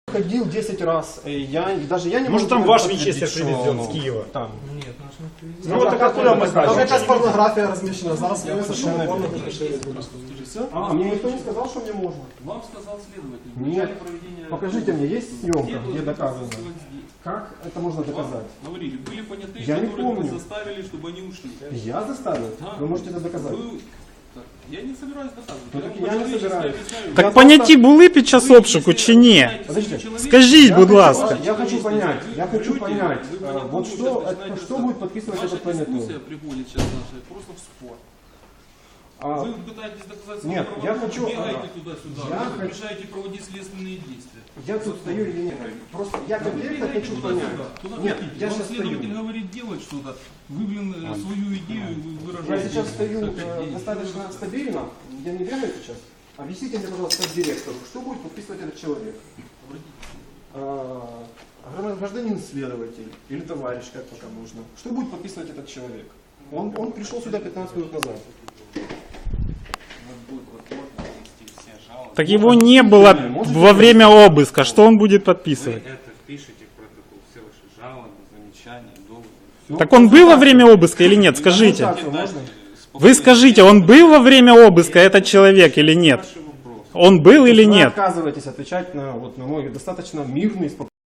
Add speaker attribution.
Speaker 1: Ходил 10 раз, даже я не
Speaker 2: Может, там
Speaker 1: могу
Speaker 2: ваш
Speaker 1: подтвердить,
Speaker 2: Винчестер
Speaker 1: что
Speaker 2: привезен
Speaker 1: оно
Speaker 2: с Киева?
Speaker 1: Там.
Speaker 3: Нет, наш не привезли.
Speaker 2: Ну вот так откуда мы
Speaker 4: Там
Speaker 2: знаем?
Speaker 4: якась порнографія розміщена. Зараз
Speaker 1: Я
Speaker 4: ми
Speaker 1: совершенно
Speaker 4: совершенно порно
Speaker 1: верю.
Speaker 4: поширюємо.
Speaker 1: А мне никто не сказал, что мне можно.
Speaker 3: Вам сказал следователь. В
Speaker 1: Нет.
Speaker 3: начале проведения...
Speaker 1: Покажите мне, есть съемка,
Speaker 3: Где
Speaker 1: где
Speaker 3: должны
Speaker 1: доказано?
Speaker 3: присутствовать здесь?
Speaker 1: Как это можно
Speaker 3: Вам
Speaker 1: доказать?
Speaker 3: говорили, были понятые,
Speaker 1: Я не
Speaker 3: которых вы
Speaker 1: помню.
Speaker 3: заставили, чтобы они ушли.
Speaker 1: Я заставил?
Speaker 3: Да.
Speaker 1: Вы можете это доказать?
Speaker 3: Так, я не собираюсь доказывать.
Speaker 1: Ну,
Speaker 3: Я
Speaker 1: так
Speaker 3: вам
Speaker 1: я не
Speaker 3: по-человечески
Speaker 1: собираюсь.
Speaker 3: объясняю.
Speaker 2: Так поняті були під час обшуку чи ні?
Speaker 1: Подождите.
Speaker 2: Скажіть, будь ласка.
Speaker 1: Я хочу понять, вот что будет подписывать
Speaker 3: Ваша
Speaker 1: этот понятый?
Speaker 3: дискуссия приводит сейчас наша просто в спор. Вы пытаетесь доказать свою
Speaker 1: нет, я
Speaker 3: правоту,
Speaker 1: хочу,
Speaker 3: бегаете туда-сюда,
Speaker 1: я
Speaker 3: вы
Speaker 1: хочу-
Speaker 3: мешаете проводить следственные действия.
Speaker 1: Я тут стою или нет? Просто я конкретно
Speaker 3: Бегаете
Speaker 1: хочу
Speaker 3: туда-сюда.
Speaker 1: понять.
Speaker 3: Куда
Speaker 1: Нет,
Speaker 3: хотите.
Speaker 1: я
Speaker 3: Вам
Speaker 1: сейчас
Speaker 3: следователь
Speaker 1: стою.
Speaker 3: говорит делать что-то, вы, свою идею вы
Speaker 1: Я
Speaker 3: выражаете.
Speaker 1: сейчас стою
Speaker 3: Как
Speaker 1: достаточно стабильно. Я не бегаю сейчас. Объясните мне, пожалуйста, как директору, что будет подписывать этот человек? Гражданин следователь или товарищ, как пока можно. Что будет подписывать этот человек? Он пришел сюда 15 минут назад.
Speaker 2: Так его не было во время обыска. Что он будет подписывать?
Speaker 5: Это впишите в протокол, все ваши жалобы, замечания, доводы.
Speaker 2: Так он был во время обыска или нет? Скажите.
Speaker 1: Консультацию можно?
Speaker 2: Вы скажите, он был во время обыска, этот человек, или нет? Он был или
Speaker 1: Вы
Speaker 2: нет?
Speaker 1: отказываетесь отвечать на мой достаточно мирный, спокойный